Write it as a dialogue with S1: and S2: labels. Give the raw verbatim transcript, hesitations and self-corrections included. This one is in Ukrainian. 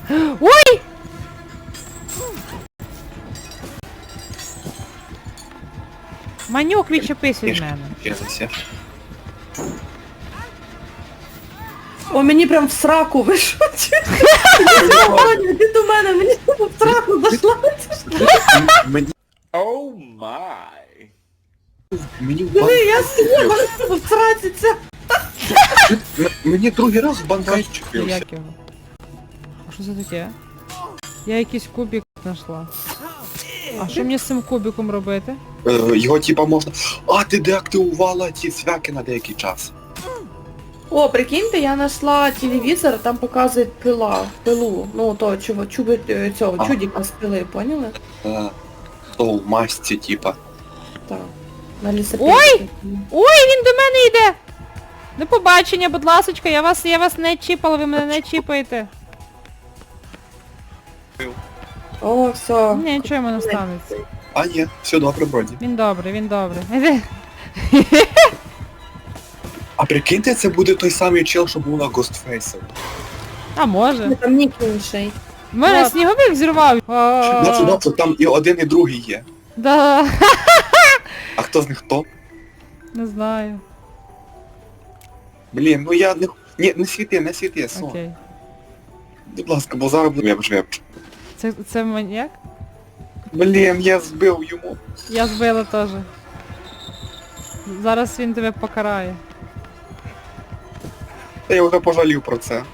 S1: Ой! Манюк, відчепись від мене.
S2: О, мені прям в сраку вийшов. Ти до мене, мені в сраку зайшла.
S3: Мені...
S4: О май.
S3: Мені в
S2: Диви,
S3: банк...
S2: я сидів, в сраці це.
S3: М- Мені другий раз в банк чіпився.
S1: Як його? А що це таке? Я якийсь кубик знайшла. А що мені з цим кубиком робити?
S3: Е, Його типа можна... А, ти деактивувала ці свяки на деякий час.
S2: О, прикиньте, я знайшла телевізор, там показує пила, пилу. Ну, то чого, чуби е, цього,
S3: Ага.
S2: чудіка з пили, поняли?
S3: Е, То в масці, типа.
S2: Так. На лісопеді.
S1: Ой! Ой, він до мене йде! До побачення, будь ласочка, я вас, я вас не чіпала, ви мене не чіпаєте.
S2: О, все.
S1: Ні, нічого йому не станеться.
S3: А, ні, все добре, вроді.
S1: Він добрий, він добрий. Іди.
S3: А прикиньте, це буде той самий чел, що був на Ghostface.
S1: А може.
S2: Там нік інший.
S1: В мене
S2: Вот.
S1: сніговик зірвав.
S3: Нацу,
S1: А,
S3: нацу, там і один, і другий є.
S1: Да.
S3: А хто з них хто?
S1: Не знаю.
S3: Блін, ну я не... Ні, не світи, не світи, сон.
S1: Окей.
S3: Будь ласка, бо зараз буде веб-жвеб.
S1: Це, це маньяк?
S3: Блін, я збив йому.
S1: Я збила теж. Зараз він тебе покарає.
S3: Та я вже пожалів про це.